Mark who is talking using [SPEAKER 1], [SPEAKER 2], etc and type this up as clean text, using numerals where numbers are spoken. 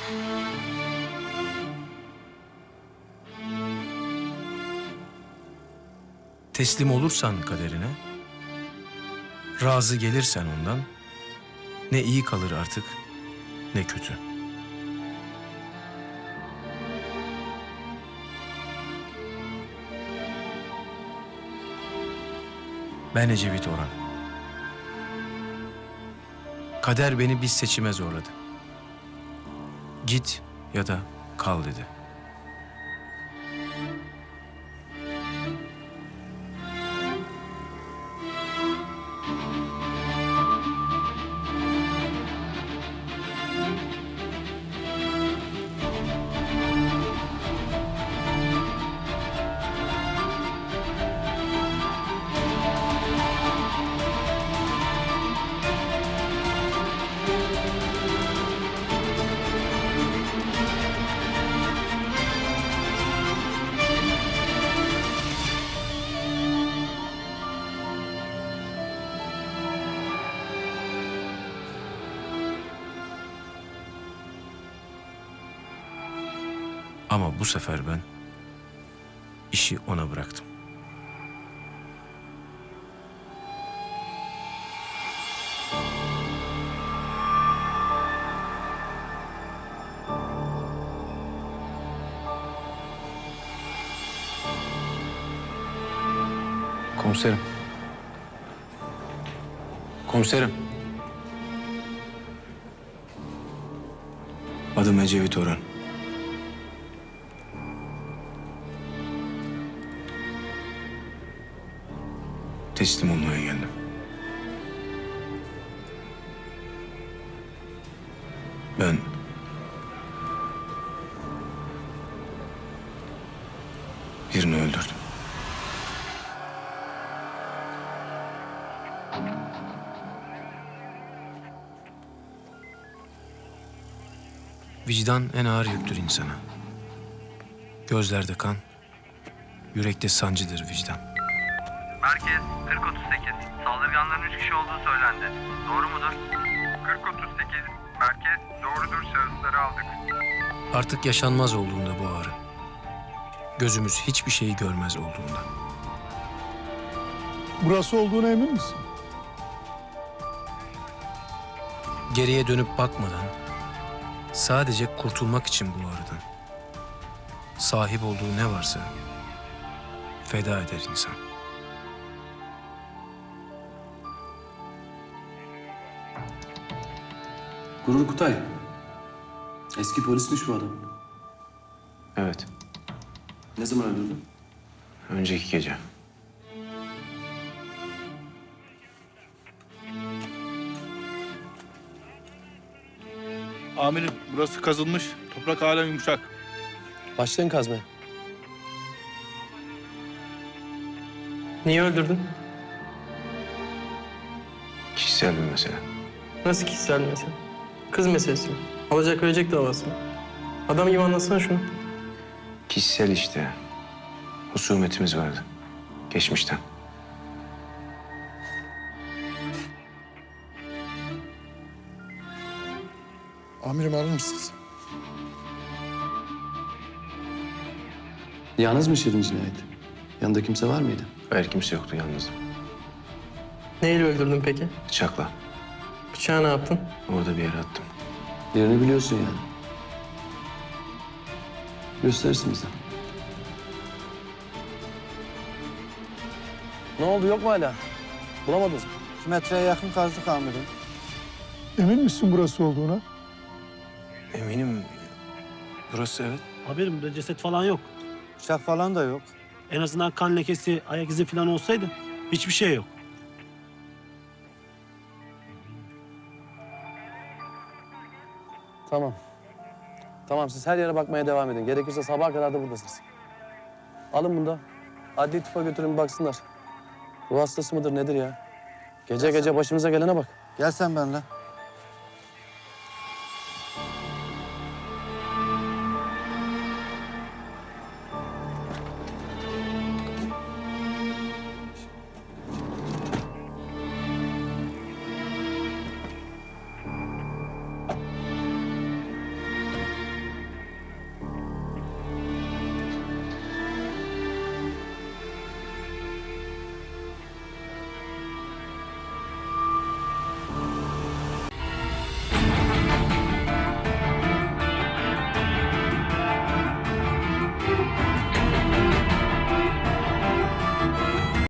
[SPEAKER 1] Teslim olursan kaderine, razı gelirsen ondan, ne iyi kalır artık, ne kötü. Ben Ecevit Orhan. Kader beni bir seçime zorladı. Git ya da kal dedi. Ama bu sefer ben işi ona bıraktım. Komiserim. Komiserim. Adım Ecevit Orhan. Teslim olmaya geldim. Ben birini öldürdüm. Vicdan en ağır yüktür insana. Gözlerde kan, yürekte sancıdır vicdan.
[SPEAKER 2] Merkez 4038. Saldırganların 3 kişi olduğu söylendi. Doğru mudur? 4038. Merkez doğrudur, şahısları aldık.
[SPEAKER 1] Artık yaşanmaz olduğunda bu ağrı. Gözümüz hiçbir şeyi görmez olduğunda.
[SPEAKER 3] Burası olduğuna emin misin?
[SPEAKER 1] Geriye dönüp bakmadan, sadece kurtulmak için bu ağrıdan, sahip olduğu ne varsa feda eder insan.
[SPEAKER 4] Gurur Kutay. Eski polismiş bu adam.
[SPEAKER 1] Evet,
[SPEAKER 4] Ne zaman öldürdün?
[SPEAKER 1] önceki gece.
[SPEAKER 5] Amirim, burası kazılmış. Toprak hala yumuşak.
[SPEAKER 4] Başlayın kazmaya.
[SPEAKER 6] Niye öldürdün?
[SPEAKER 1] Kişisel bir mesele.
[SPEAKER 6] Nasıl kişisel mesele? Kız meselesi mi? Alacak verecek davası mı? Adam gibi anlatsana şunu.
[SPEAKER 1] Kişisel işte. Husumetimiz vardı. Geçmişten.
[SPEAKER 3] Amirim arar mısınız?
[SPEAKER 4] Yalnız mı işledin cinayeti? Yanında kimse var mıydı?
[SPEAKER 1] Hayır, kimse yoktu, yalnızdım.
[SPEAKER 6] Neyle öldürdün peki?
[SPEAKER 1] Bıçakla.
[SPEAKER 6] Bıçağı ne yaptın?
[SPEAKER 1] Orada bir yere attım.
[SPEAKER 4] Yerini biliyorsun yani. Gösterirsin bize. Ne oldu, yok mu hala? Bulamadınız mı?
[SPEAKER 7] 2 metreye yakın kazdık amirim.
[SPEAKER 3] Emin misin burası olduğuna?
[SPEAKER 1] Eminim. Burası evet.
[SPEAKER 8] Haberim burada ceset falan yok.
[SPEAKER 7] Bıçak falan da yok.
[SPEAKER 8] En azından kan lekesi, ayak izi falan olsaydı hiçbir şey yok.
[SPEAKER 4] Tamam. Tamam, siz her yere bakmaya devam edin. Gerekirse sabaha kadar da buradasınız. Alın bunu da. Adli tıpa götürün bir baksınlar. Ruh hastası mıdır nedir ya? Gece gece başımıza gelene bak.
[SPEAKER 7] Gel sen benimle.